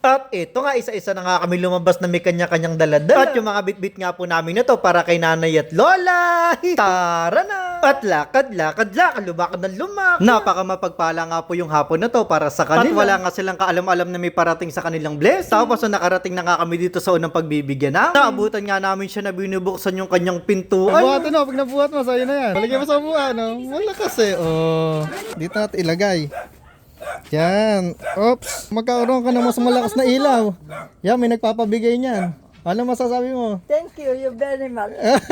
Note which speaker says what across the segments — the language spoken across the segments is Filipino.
Speaker 1: At ito nga, isa-isa na nga kami lumabas na may kanya-kanyang daladala. At yung mga bitbit nga po namin na to para kay nanay at lola. Tara na! At lakad, lumakad ng lumakad. Napaka mapagpala nga po yung hapon na to para sa kanila. At wala nga silang kaalam-alam na may parating sa kanilang blessing. Tapos nakarating na nga kami dito sa unang pagbibigyan namin. Naabutan nga namin siya na binubuksan yung kanyang pintuan.
Speaker 2: Buhatin mo, pag nabuhat mo, sa'yo na yan. Palagay mo sa buha, no? Malakas eh, oh. Dito natin ilagay. Yan. Oops. Magkaroon ka ng mas malakas na ilaw. Yan, may nagpapabigay niyan. Ano masasabi mo?
Speaker 3: Thank you very much.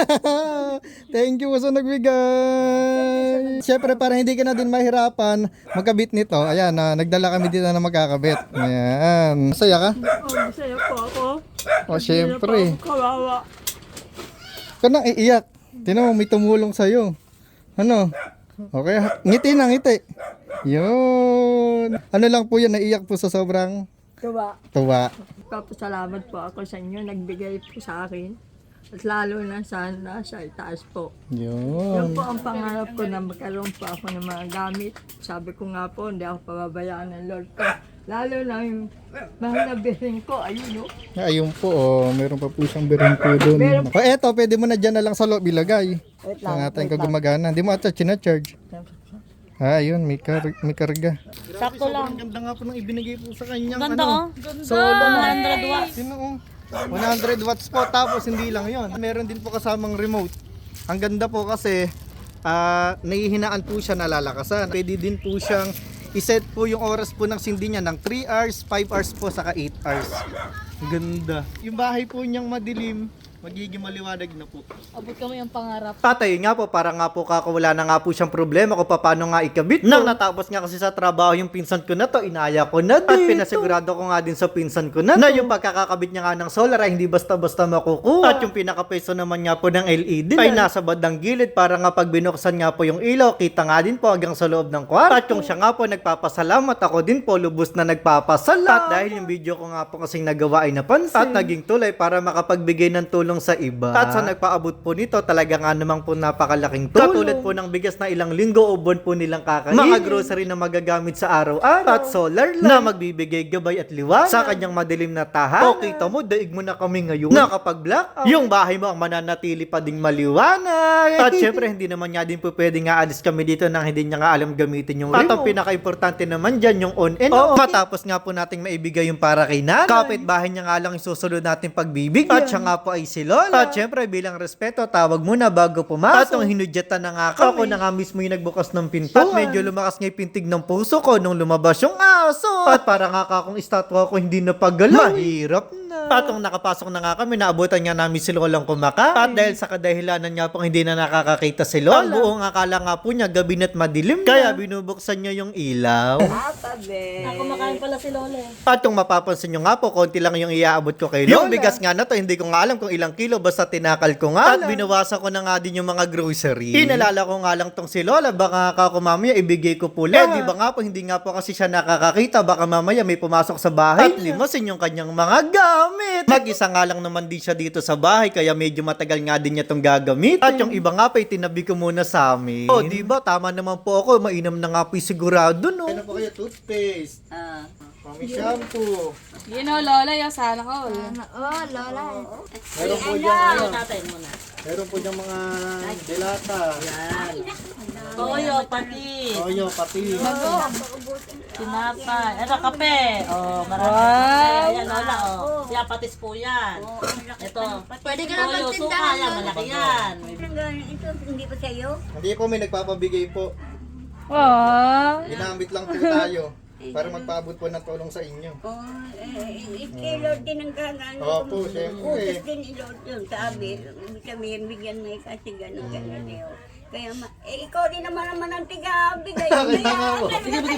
Speaker 2: Thank you sa nagbigay. Siyempre, para hindi ka na din mahirapan magkabit nito. Ayan, nagdala kami dito na magkakabit. Ayan. Masaya ka?
Speaker 3: Masaya po ako.
Speaker 2: O, siyempre.
Speaker 3: Kawawa.
Speaker 2: Ka nang iiyak. Tinan mo, may tumulong sa'yo. Ano? Okay, ngiti na, ngiti. Yun. Ano lang po yan, naiyak po sa sobrang tuwa.
Speaker 3: Papasalamat po ako sa inyo. Nagbigay po sa akin. At lalo na sana sa itaas po. Yan
Speaker 2: Yun.
Speaker 3: po ang pangarap ko na magkaroon po ako ng mga gamit. Sabi ko nga po, hindi ako pababayaan ng Lord ko. Lalo na yung mahal na biring ko. Ayun o.
Speaker 2: Ayun po, oh, meron pa po siyang birin po doon. O eto, pwede mo na dyan na lang sa loob ilagay.
Speaker 3: Wait
Speaker 2: Ang
Speaker 3: lang.
Speaker 2: ating kagumagana. Hindi mo ata charge. Ah, yun, may karga.
Speaker 3: Sakto lang.
Speaker 2: Ang ganda nga po nang ibinigay po sa kanyang
Speaker 4: Ganda oh.
Speaker 2: solo.
Speaker 4: 100 watts.
Speaker 2: Sino oh? 100 watts po, tapos hindi lang yon. Meron din po kasamang remote. Ang ganda po kasi nahihinaan po siya na lalakasan. Pwede din po siyang iset po yung oras po ng sindi niya ng 3 hours, 5 hours po, saka 8 hours. Ang ganda. Yung bahay po niyang madilim, magiging maliwanag na po.
Speaker 4: Abot kami ang pangarap.
Speaker 1: Tatay nga po, para nga po kakawala na nga po siyang problema kung paano nga ikabit. Nang natapos nga kasi sa trabaho yung pinsan ko na to, inaya ko na dito. At pinasigurado ko nga din sa pinsan ko na yung pagkakakabit niya nga ng solar ay hindi basta-basta makukuha. At yung pinaka-peso naman nga po ng LED ay nasa bandang gilid para nga pag binuksan nga po yung ilaw, kita nga din po hanggang sa loob ng kwarto. At yung siya nga po nagpapasalamat, ako din po lubos na nagpapasalamat. At dahil yung video ko nga po kasing nagawa ay napansin at naging tulay para makapagbigay ng tulong sa iba. At sa nagpaabot po nito, talaga nga namang po napakalaking tulong. Katulad po ng bigas na ilang linggo o buwan po nilang kakainin. Mga grocery na magagamit sa araw-araw. At solar light na magbibigay gabay at liwanag sa kanyang madilim na tahanan. O kita mo, daig mo na kami ngayon. Nakapag-blackout. Yung bahay mo ang mananatili pa ding maliwanag. At syempre, hindi naman nga din po pwede nga alis kami dito nang hindi niya nga alam gamitin yung remote. At ang pinaka-importante naman dyan, yung on and off. Matapos nga po nating maibigay yung para kay nanay. Kapit-bahay niya nga lang isusunod natin pagbibigyan. At siya nga po ay si Lola. At syempre, bilang respeto, tawag muna bago pumasok. At nung hinudyatan na nga ako na nga mismo yung nagbukas ng pinto. At medyo lumakas nga yung pintig ng puso ko nung lumabas yung aso. At para nga kakong estatwa ko hindi napagalaw. Mahirap na. At nung nakapasok na nga kami, naabutan nga namin si Lolang kumakain. At dahil sa kadahilanan niya pong hindi na nakakakita si Lola, ang buong akala nga po niya gabi na't madilim. Kaya binubuksan niya yung ilaw.
Speaker 4: Kumakain pala si Lola eh.
Speaker 1: At kung mapapansin nyo nga po, konti lang yung iaabot ko kay Lola. Yung bigas nga na to, hindi ko nga alam kung ilang kilo, basta tinakal ko nga. At binawasan ko na nga din yung mga grocery. Inalala ko nga lang tong si Lola, baka ako mamaya ibigay ko po lang. Di ba nga po, hindi nga po kasi siya nakakakita, baka mamaya may pumasok sa bahay. At limasin yung kanyang mga gamit. Mag-isa nga lang naman din siya dito sa bahay, kaya medyo matagal nga din niya tong gagamit. At yung iba nga pa, itinabi ko muna sa amin. O, di ba? Tama naman po ako, mainam na nga po sigurado, no? Ano po kayo, toothpaste? Mami shampoo.
Speaker 4: Yun o, Lola, yung sana ko.
Speaker 3: Lola.
Speaker 1: Meron po dyan,
Speaker 4: Tatay mo na.
Speaker 1: meron po dyan mga delata.
Speaker 4: Toyo, pati.
Speaker 1: Toyo, pati.
Speaker 4: Sinapay. Ito, kape. Oh, marami. Wow. Ayan, Lola, oh. Siya, patis po yan. Ito.
Speaker 3: Pwede ka na
Speaker 4: Toyo, suka
Speaker 3: magtindahan.
Speaker 4: yan. Malaki yan.
Speaker 3: Ito, hindi pa sa'yo?
Speaker 1: Hindi po, may nagpapabigay po. Ginamit lang po tayo para magpaabot po ng tulong sa inyo.
Speaker 3: Kay Lord din ang gagano.
Speaker 1: Opo, syempre.
Speaker 3: Utos din ni Lord yun. Sabi, bigyan mo kasi gano'n Leo. Kaya, ikaw din naman ang tiga-bigay.
Speaker 1: Kaya nga po.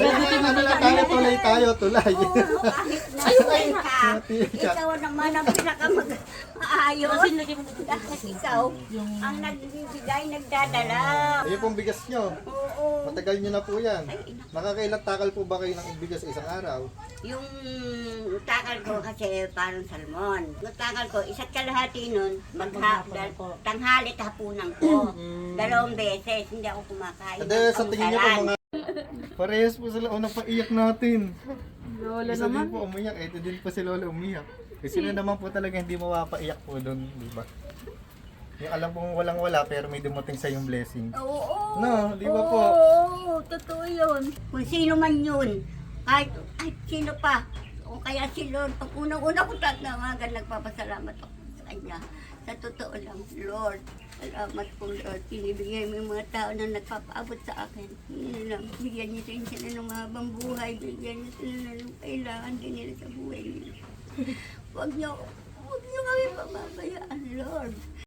Speaker 1: Tulay tayo, tulay.
Speaker 3: Kahit na ka, ikaw naman ang pinaka-maayos. Dahil ikaw ang nagbibigay, nagdadala.
Speaker 1: Ayun pong bigas nyo.
Speaker 3: Oo.
Speaker 1: Matagal nyo na po yan. Nakakailang takal po ba kayo ng bigas sa isang araw?
Speaker 3: Yung takal ko kasi parang salmon. Yung takal ko, isa't kalahati nun, tanghali hapunan ko. 2 beses, hindi ako kumakain.
Speaker 1: Kada sa tingin nyo po mga... Parehas po sila unang paiyak natin.
Speaker 5: Lola
Speaker 2: Isa
Speaker 5: naman.
Speaker 2: din po umiyak, ito din po si Lola umiyak. Kasi sino naman po talaga hindi mapapaiyak po doon, di ba? Yung alam pong walang-wala pero may dumating sa yung blessing.
Speaker 3: Oo.
Speaker 2: No, di ba po?
Speaker 3: Oo, totoo yun. Kung sino man yun, kahit sino pa, o kaya si Lord, pag unang-una ko tatawagan, nagpapasalamat ako sa Kanya. Sa totoo lang, Lord, salamat po Lord. Pinibigay mo yung mga tao na nagpapaabot sa akin. Yun lang, bigyan niyo rin sila ng mahabang buhay, bigyan niyo sila ng kailangan din nila sa buhay nila. Huwag niyo kami pababayaan, Lord.